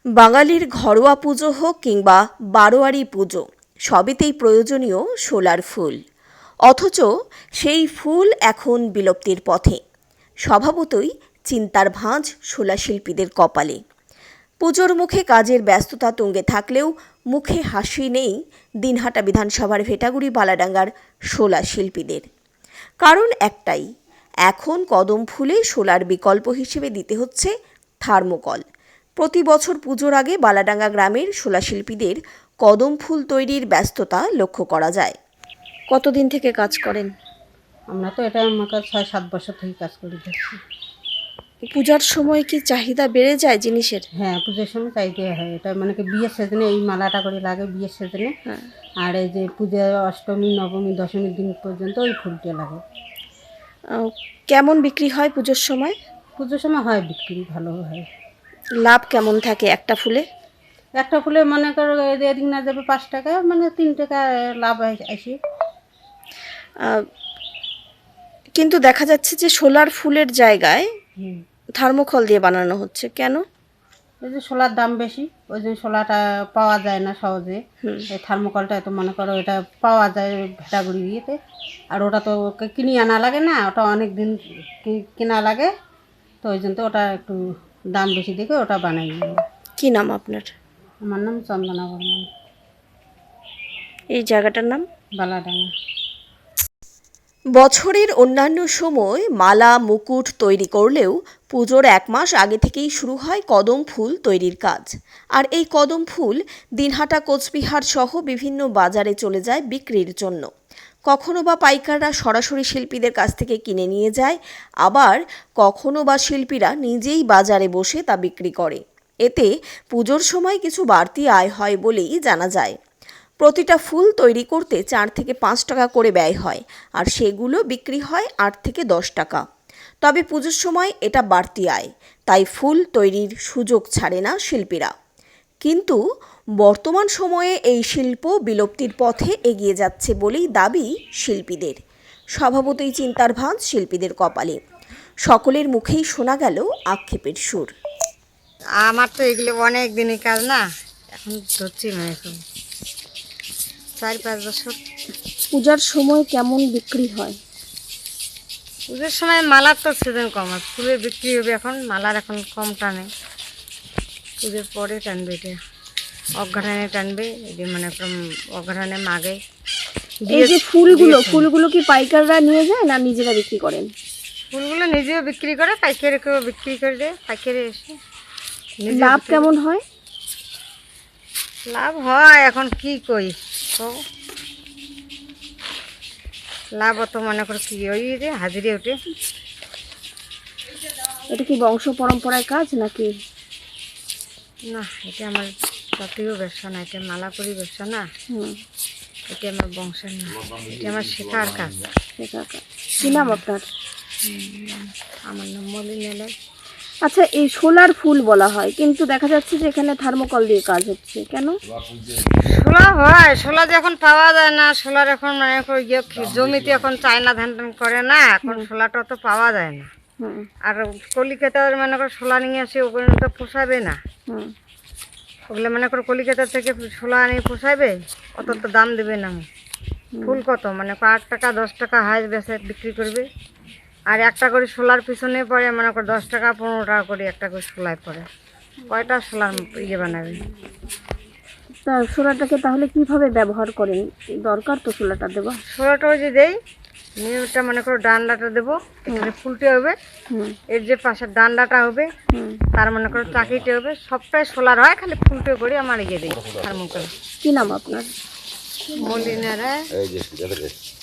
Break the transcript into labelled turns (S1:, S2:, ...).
S1: বাঙালির ঘরোয়া পুজো হোক কিংবা বারোয়ারি পুজো, সবেতেই প্রয়োজনীয় শোলার ফুল। অথচ সেই ফুল এখন বিলুপ্তির পথে। স্বভাবতই চিন্তার ভাঁজ শোলা শিল্পীদের কপালে। পুজোর মুখে কাজের ব্যস্ততা তুঙ্গে থাকলেও মুখে হাসি নেই দিনহাটা বিধানসভার ভেটাগুড়ি বালাডাঙ্গার শোলা শিল্পীদের। কারণ একটাই, এখন কদম ফুলে শোলার বিকল্প হিসেবে দিতে হচ্ছে থার্মোকল। প্রতি বছর পুজোর আগে বালাডাঙ্গা গ্রামের শোলা শিল্পীদের কদম ফুল তৈরির ব্যস্ততা লক্ষ্য করা যায়। কতদিন থেকে কাজ করেন?
S2: আমরা তো এটা আমাকে 6-7 বছর থেকে কাজ করে যাচ্ছি।
S1: পূজার সময় কি চাহিদা বেড়ে যায় জিনিসের?
S2: হ্যাঁ, পুজোর সময় চাইতে হয়। এটা মানে কি বিয়ের সিজনে এই মালাটা করে লাগে বিয়ের সিজনে। আর এই যে পূজা অষ্টমী, নবমী, দশমীর দিন পর্যন্ত ওই ফুলটা লাগে।
S1: কেমন বিক্রি হয় পুজোর সময়?
S2: পুজোর সময় হয় বিক্রি, ভালো হয়।
S1: লাভ কেমন থাকে একটা ফুলে?
S2: একটা ফুলে মনে করো এদিক না যাবে 5 টাকা, মানে 3 টাকা লাভ আসে।
S1: কিন্তু দেখা যাচ্ছে যে শোলার ফুলের জায়গায় থার্মোকল দিয়ে বানানো হচ্ছে, কেন?
S2: এই যে শোলার দাম বেশি, ওই জন্য শোলাটা পাওয়া যায় না সহজে। এই থার্মোকলটা তো মনে করো এটা পাওয়া যায় ভেটাগুড়ি দিয়েতে, আর ওটা তো কিনে আনা লাগে না, ওটা অনেক দিন কেনা লাগে, তো ওই জন্য তো ওটা একটু দাম বেশি দেখে ওটা বানাই।
S1: কি নাম আপনার?
S2: আমার নাম চন্দনা বর্মন।
S1: এই জায়গাটার নাম
S2: বালাডাঙ্গা।
S1: বছরের অন্যান্য সময় মালা মুকুট তৈরি করলেও পুজোর 1 মাস আগে থেকেই শুরু হয় কদম ফুল তৈরির কাজ। আর এই কদম ফুল দিনহাটা, কোচবিহার সহ বিভিন্ন বাজারে চলে যায় বিক্রির জন্য। কখনো বা পাইকাররা সরাসরি শিল্পীদের কাছ থেকে কিনে নিয়ে যায়, আবার কখনো বা শিল্পীরা নিজেই বাজারে বসে তা বিক্রি করে। এতে পুজোর সময় কিছু বাড়তি আয় হয় বলেই জানা যায়। প্রতিটা ফুল তৈরি করতে 4 থেকে 5 টাকা করে ব্যয় হয়, আর সেগুলো বিক্রি হয় 8 থেকে 10 টাকা। তবে পুজোর সময় এটা বাড়তি আয়, তাই ফুল তৈরির সুযোগ ছাড়ে না শিল্পীরা। কিন্তু বর্তমান সময়ে এই শিল্প বিলুপ্তির পথে এগিয়ে যাচ্ছে বলেই দাবি শিল্পীদের। স্বভাবতই চিন্তার ভাঁজ শিল্পীদের কপালে। সকলের মুখেই শোনা গেল আক্ষেপের সুর।
S3: আমার তো এগুলো অনেক দিনের কাজ না, এখন ধরছি না, এখন 4-5 বছর।
S1: পূজার সময় কেমন বিক্রি হয়?
S3: পুজোর সময় মালার তো সিজন কম, আর ফুলের বিক্রি হবে এখন, মালার এখন কম টানে। পুজোর পরে টানবে, এটা অঘ্রাণে টানবে, এটা মানে অঘ্রাণে মাগে।
S1: এই যে ফুলগুলো কি পাইকাররা নিয়ে যায় না নিজেরা বিক্রি করেন?
S3: ফুলগুলো নিজেও বিক্রি করে, পাইকারিকেও বিক্রি করে দেয়, পাইকারি এসে।
S1: লাভ কেমন হয়?
S3: লাভ হয় এখন কি কই, লাভ অত মনে করো কি ওই যে হাজিরে ওঠে।
S1: এটা কি বংশ পরম্পরায় কাজ নাকি?
S3: না, এটা আমার জাতীয় ব্যবসা না, এটা মালাপুরি ব্যবসা না, এটা আমার বংশের না, এটা আমার শেখার কাজ।
S1: কি নাম আপনার?
S3: আমার নাম মলিনালয়।
S1: আচ্ছা, এই শোলার ফুল বলা হয়, কিন্তু দেখা যাচ্ছে যে এখানে থার্মোকল দিয়ে কাজ হচ্ছে, কেন?
S3: শোলা হয়, শোলা যখন পাওয়া যায় না, শোলার এখন মানে জমিতে এখন চায়না ধান টান করে না, এখন শোলাটা তো পাওয়া যায় না। আর কলিকাতার মনে করো শোলা নিয়ে আসে, ওগুলো তো পোষাবে না। ওগুলো মনে করো কলিকাতা থেকে শোলা নিয়ে পোষাবে, অত তো দাম দেবে না। ফুল কত মানে 8 টাকা 10 টাকা হাইস বেচে বিক্রি করবে, আর একটা করে শোলার পিছনে পড়ে মনে করো 10 টাকা 15 টাকা করে একটা করে শোলায় পড়ে। কয়টা শোলার বানাবে?
S1: তা শোলাটাকে তাহলে কিভাবে ব্যবহার করেন? দরকার তো শোলাটা দেওয়া।
S3: শোলাটা ওই যে দেই, নিয়মটা মনে করো ডান্ডাটা দেবো, এখানে ফুলটে হবে, এর যে পাশের ডান্ডাটা হবে, তার মনে করো চাকিটা হবে, সবটাই শোলার হয়, খালি ফুলটে করে আমার ইয়ে দিই থার্মোকল।
S1: কি নাম আপনার?
S3: মলিনারা।